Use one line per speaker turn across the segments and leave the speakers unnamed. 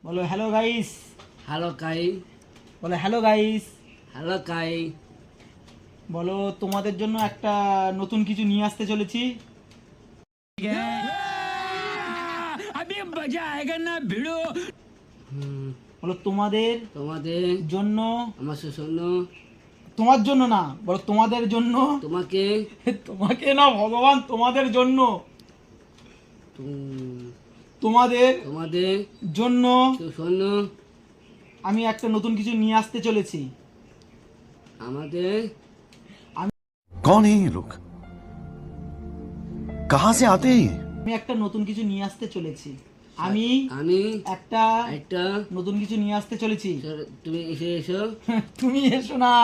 বলো hello guys.
Hello কাই।
বলো hello guys.
Hello কাই।
বলো তোমাদের জন্য একটা নতুন কিছু নিয়ে আসতে চলেছি। বলো তোমাদের
তোমাদের
জন্য,
আমার শোষণ
তোমার জন্য না, বলো তোমাদের জন্য।
তোমাকে
তোমাকে না ভগবান, তোমাদের জন্য,
তুম-
তোমাদের
তোমাদের
জন্য
শোষণ
আমি একটা নতুন কিছু নিয়ে আসতে চলেছি।
আমাদের
कौन है ये लोग? कहां से आते हैं ये?
আমি একটা নতুন কিছু নিয়ে আসতে চলেছি। আমি
আমি
একটা
একটা
নতুন কিছু নিয়ে আসতে চলেছি।
তুমি এসে এসো।
তুমি এসো না।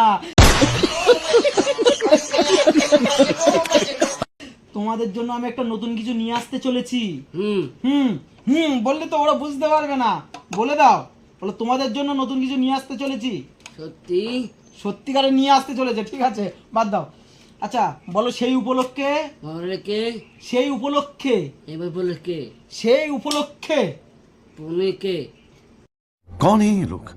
তোমাদের জন্য আমি একটা নতুন কিছু নিয়ে আসতে চলেছি।
হুম
হুম হুম বললে তো ওরা বুঝতে পারবে না। বলে দাও, বলো তোমাদের জন্য নতুন কিছু নিয়ে আসতে চলেছি।
সত্যি
সত্যিকারে নিয়ে আসতে চলেছে, ঠিক আছে বাদ দাও। আচ্ছা বলো সেই উপলক্ষে,
মরকে
সেই উপলক্ষে,
এবার বলে কে
সেই উপলক্ষে
তুমি কে
कौन है ये लोग?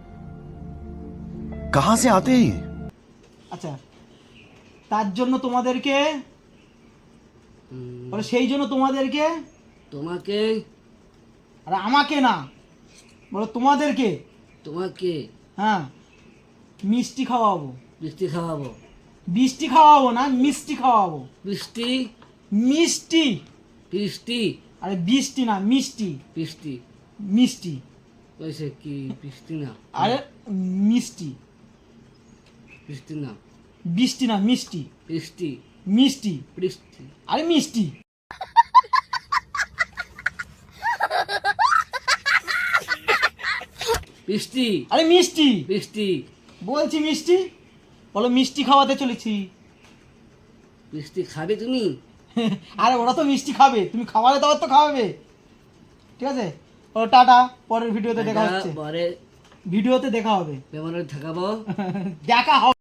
कहां से आते हैं ये?
আচ্ছা তার জন্য তোমাদেরকে,
হুম,
বলো সেই জন্য তোমাদেরকে,
তোমাকে
আর আমাকে না, বলো তোমাদেরকে,
তোমাকে
হ্যাঁ মিষ্টি খাওয়াবো।
বৃষ্টি খাওয়াবো।
বৃষ্টি খাওয়াবো না, মিষ্টি খাওয়াবো।
বৃষ্টি
মিষ্টি,
বৃষ্টি
আরে বৃষ্টি না, মিষ্টি।
বৃষ্টি
মিষ্টি,
ওইসে কি বৃষ্টি না
আরে মিষ্টি।
বৃষ্টি না
বৃষ্টি না, মিষ্টি।
বৃষ্টি
মিষ্টি,
বৃষ্টি
আরে মিষ্টি।
বৃষ্টি
আরে মিষ্টি
বৃষ্টি
বলছি, মিষ্টি। বলো মিষ্টি খাওয়াতে চলেছি।
বৃষ্টি খাবে তুমি?
আরে ওরা তো মিষ্টি খাবে, তুমি খাওয়ালে তো তো খাওয়াবে, ঠিক আছে। ও টাটা, পরের ভিডিওতে দেখা হচ্ছে।
পরে
ভিডিওতে দেখা হবে।
ব্যবহারে থাকাবো।
দেখা হবে।